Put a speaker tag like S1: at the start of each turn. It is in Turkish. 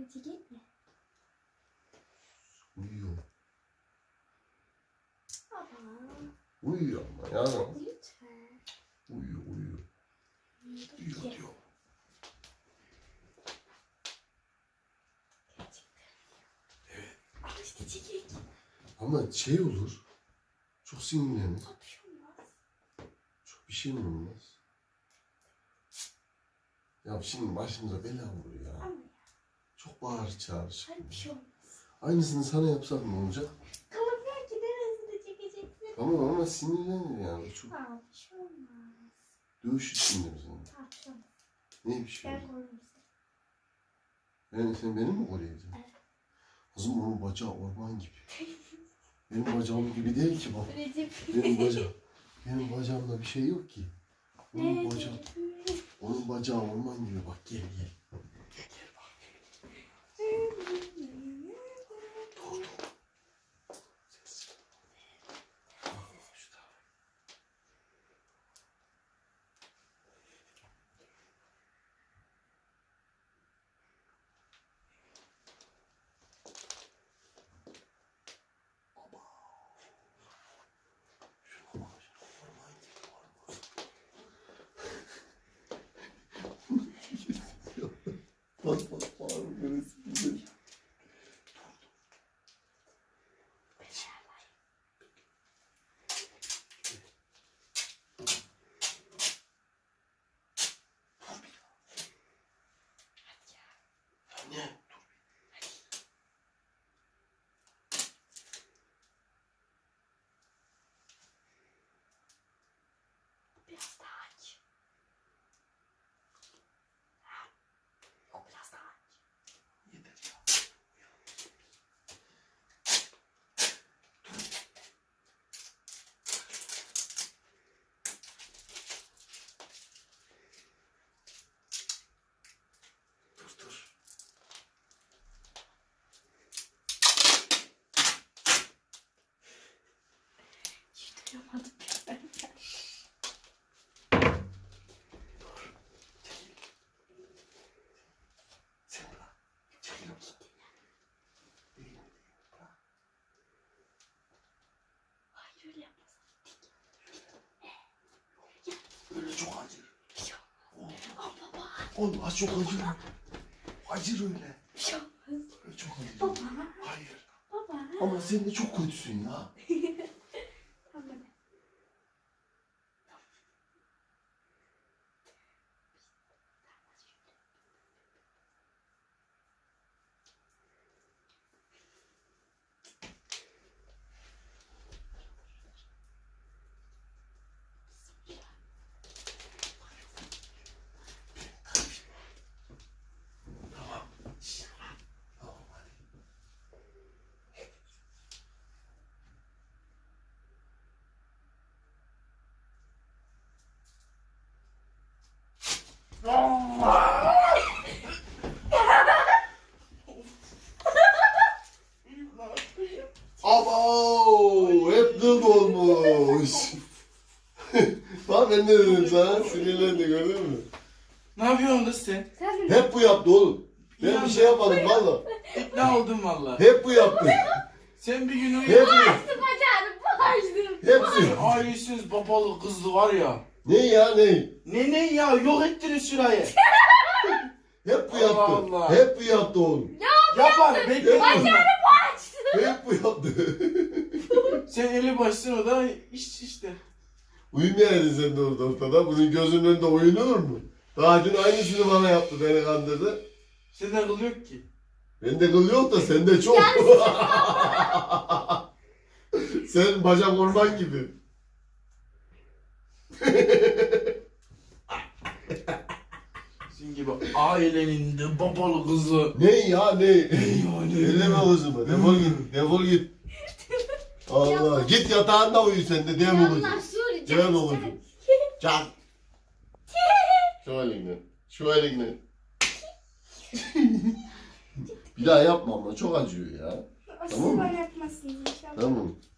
S1: Hadi gitme.
S2: Uyuyor.
S1: Baba.
S2: Uyuyor ama ya.
S1: Lütfen.
S2: Uyuyor. Uyuyor diyor. Evet.
S1: Al işte çekek.
S2: Ama şey olur. Çok sinirlenir.
S1: Bir şey olmaz.
S2: Çok bir şey mi olmaz? Ya şimdi başımıza bela olur ya.
S1: Ama ya.
S2: Çok bağır çağır.
S1: Hadi bir şey olmaz.
S2: Aynısını sana yapsak ne olacak?
S1: Kalırken ki neresinde çekeceksin?
S2: Tamam ama sinirlenir yani. Çok
S1: Aa, bir şey olmaz.
S2: dövüş içinde bizim.
S1: Aa, bir şey olmaz.
S2: Ne bir şey
S1: Ben
S2: olur?
S1: korurum seni.
S2: Yani sen beni mi koruyacaksın?
S1: Evet.
S2: Kızım onun bacağı orman gibi. Benim bacağım gibi değil ki bak.
S1: Recep.
S2: Benim bacağımda bir şey yok ki. Onun bacağı orman gibi bak gel. Gel bak. Dur. Ses. Şu tarafa. Baba. Şuna bak. Orman gibi orman. Bak bağırma neresi güzel. Anne.
S1: Biraz daha aç. Yok, biraz daha aç.
S2: Yeter ya. Dur.
S1: Hiç duyamadım ben.
S2: Sen bırak. Çekil oradan. Değil. Bırak.
S1: Hayır öyle yapmasın.
S2: Öyle çok acır.
S1: Bir şey olmaz. Aa, baba.
S2: Oğlum az çok acır. Acır öyle.
S1: Bir şey olmaz.
S2: Öyle çok acır.
S1: Baba.
S2: Hayır.
S1: Baba.
S2: Ama sen de çok kötüsün ya.
S1: Tamam.
S2: Tamam. Tamam hadi. Abo, hep dıt olmuş. Bak ben ne dedim sana, sinirlendi gördün mü?
S3: Ne yapıyorsun kız sen?
S1: Sen
S2: Hep bu yaptı oğlum. Ben bir şey yapmadım valla.
S3: İkna oldum valla.
S2: Hep bu yaptı.
S3: Sen bir gün
S2: Hep
S3: uyuyun.
S2: bu.
S1: bacağını bağıştım.
S2: Hepsi.
S3: Ailesiz babalı kızlı var ya.
S2: Ne ya ne?
S3: Ne ya yok ettiniz şurayı.
S2: Hep bu
S3: Allah
S2: yaptı.
S3: Allah.
S2: Hep bu yaptı oğlum.
S3: Yapar bekle.
S2: Hep bu yaptı.
S3: Sen eli başsın o da işte.
S2: Uyumayaydın sen de ortada. Bunun gözünün önünde oyunur mu? Daha dün aynısını bana yaptı, beni kandırdı.
S3: Sende kıl yok ki.
S2: Bende kıl yok da sende çok. Sen bacak orman gibi.
S3: Sizin gibi ailenin de babalı kızı.
S2: Ne ya ne?
S3: Yani.
S2: Elleme kızımı. Defol git. Defol git. Allah. Git yatağında uyu sen de. Dem olucu. Dem olucu. Çak. Şu elinle. Şu elinle. Bir daha yapma ama çok acıyor ya.
S1: Asıl
S2: Tamam mı?
S1: bana yapmasın inşallah.
S2: Tamam.